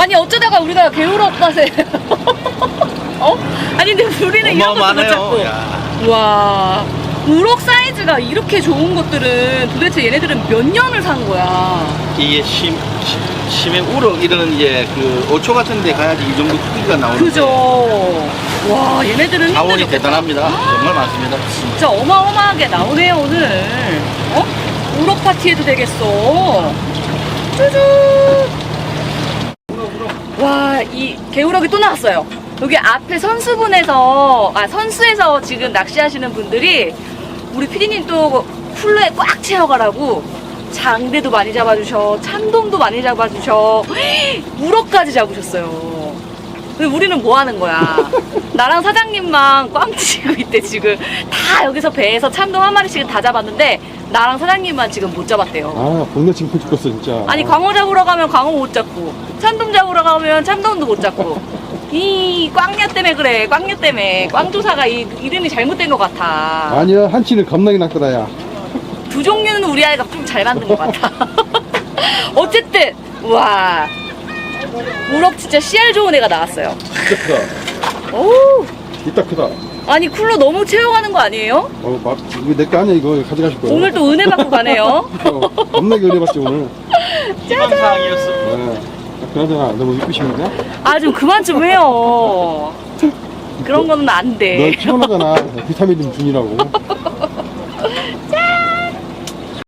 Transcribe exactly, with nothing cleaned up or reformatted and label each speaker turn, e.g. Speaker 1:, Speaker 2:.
Speaker 1: 아니 어쩌다가 우리가 개울업밭에 어? 아니 근데 우리는 이런 것도 못 잡고. 와, 우럭 사이즈가 이렇게 좋은 것들은 도대체 얘네들은 몇 년을 산 거야?
Speaker 2: 이게 심, 심, 심해 우럭 이런 이제 그 오초 같은 데 가야지 이 정도 크기가 나오는데.
Speaker 1: 그죠. 와, 얘네들은
Speaker 2: 자원이
Speaker 1: 힘들었겠다.
Speaker 2: 대단합니다. 정말 많습니다.
Speaker 1: 진짜 어마어마하게 나오네요 오늘. 어? 우럭 파티해도 되겠어. 쭈쭈. 와, 이 개우럭이 또 나왔어요. 여기 앞에 선수분에서, 아, 선수에서 지금 낚시하시는 분들이 우리 피디님 또 쿨러에 꽉 채워가라고 장대도 많이 잡아주셔, 참돔도 많이 잡아주셔, 우럭까지 잡으셨어요. 근데 우리는 뭐 하는 거야? 나랑 사장님만 꽝 치고 있대, 지금. 다 여기서 배에서 참돔 한 마리씩은 다 잡았는데, 나랑 사장님만 지금 못 잡았대요.
Speaker 3: 아, 동네 징표 죽겠어, 진짜.
Speaker 1: 아니, 광어 잡으러 가면 광어 못 잡고, 참돔 잡으러 가면 참돔도 못 잡고. 이 꽝녀 때문에 그래, 꽝녀 때문에. 꽝조사가 이, 이름이 잘못된 것 같아.
Speaker 3: 아니야, 한치는 겁나게 낚더라, 야.
Speaker 1: 두 종류는 우리 아이가 좀 잘 만든 것 같아. 어쨌든, 와. 우럭 진짜 씨알 좋은 애가 나왔어요.
Speaker 3: 진짜 크다.
Speaker 1: 오.
Speaker 3: 이따 크다.
Speaker 1: 아니, 쿨러 너무 채워가는 거 아니에요?
Speaker 3: 어, 막, 이거 내 거 아니야, 이거. 가져가실 거야.
Speaker 1: 오늘 또 은혜 받고 가네요.
Speaker 3: 어, 겁나게 은혜 받지, 오늘.
Speaker 2: 희망사항이었어.
Speaker 3: 네. 그나저나, 너무 이쁘시는데?
Speaker 1: 아, 좀 그만 좀 해요. 그런 거는 안
Speaker 3: 너
Speaker 1: 돼.
Speaker 3: 피곤하잖아. 비타민 좀 주니라고.